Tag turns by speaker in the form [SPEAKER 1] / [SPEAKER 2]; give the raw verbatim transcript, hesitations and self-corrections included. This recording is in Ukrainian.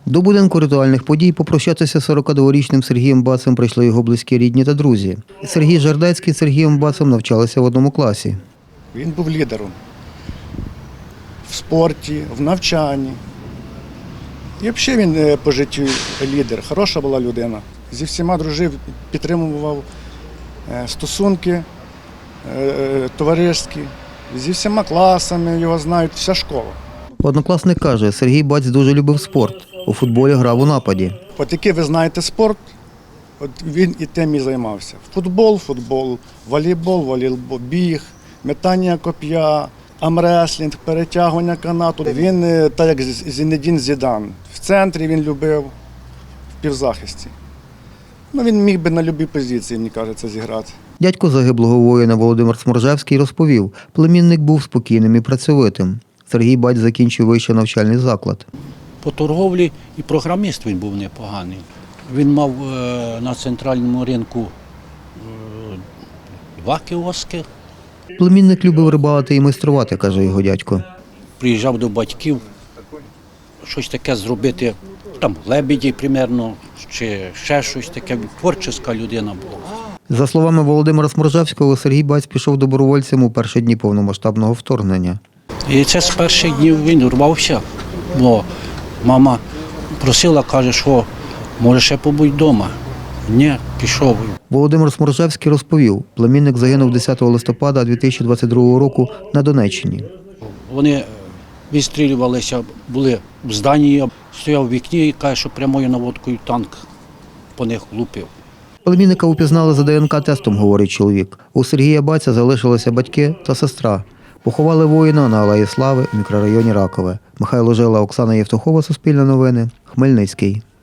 [SPEAKER 1] До будинку ритуальних подій попрощатися з сорокадворічним Сергієм Бацем прийшли його близькі рідні та друзі. Сергій Жердецький з Сергієм Бацем навчалися в одному класі.
[SPEAKER 2] Він був лідером в спорті, в навчанні. І взагалі він по життю лідер, хороша була людина. Зі всіма дружив, підтримував стосунки товариські, зі всіма класами його знають, вся школа.
[SPEAKER 1] Однокласник каже, Сергій Баць дуже любив спорт. У футболі грав у нападі.
[SPEAKER 2] От який ви знаєте спорт, от він і тим і займався. Футбол, футбол, волейбол, волейбол, біг, метання коп'я, амреслінг, перетягування канату. Він, так як Зінедін Зідан, в центрі він любив, в півзахисті. Ну, він міг би на будь-якій позиції, мені кажеться, зіграти.
[SPEAKER 1] Дядько загиблого воїна Володимир Сморжевський розповів, племінник був спокійним і працьовитим. Сергій Баць закінчив вищий навчальний заклад.
[SPEAKER 3] По торговлі і програміст він був непоганий. Він мав на центральному ринку два кіоски.
[SPEAKER 1] Племінник любив рибалити і майструвати, каже його дядько.
[SPEAKER 3] Приїжджав до батьків, щось таке зробити, там лебеді, примерно, чи ще щось таке. Творча людина була.
[SPEAKER 1] За словами Володимира Сморжевського, Сергій Баць пішов добровольцем у перші дні повномасштабного вторгнення.
[SPEAKER 3] І це з перших днів він урвався, бо мама просила, каже, що може ще побудь вдома. Ні, пішов.
[SPEAKER 1] Володимир Сморжевський розповів, племінник загинув десятого листопада дві тисячі двадцять другого року на Донеччині.
[SPEAKER 3] Вони відстрілювалися, були в зданні, стояв в вікні і каже, що прямою наводкою танк по них лупив.
[SPEAKER 1] Племінника упізнали за ДНК-тестом, говорить чоловік. У Сергія Баця залишилися батьки та сестра. Поховали воїна на Алеї Слави в мікрорайоні Ракове. Михайло Жила, Оксана Євтухова, Суспільне новини, Хмельницький.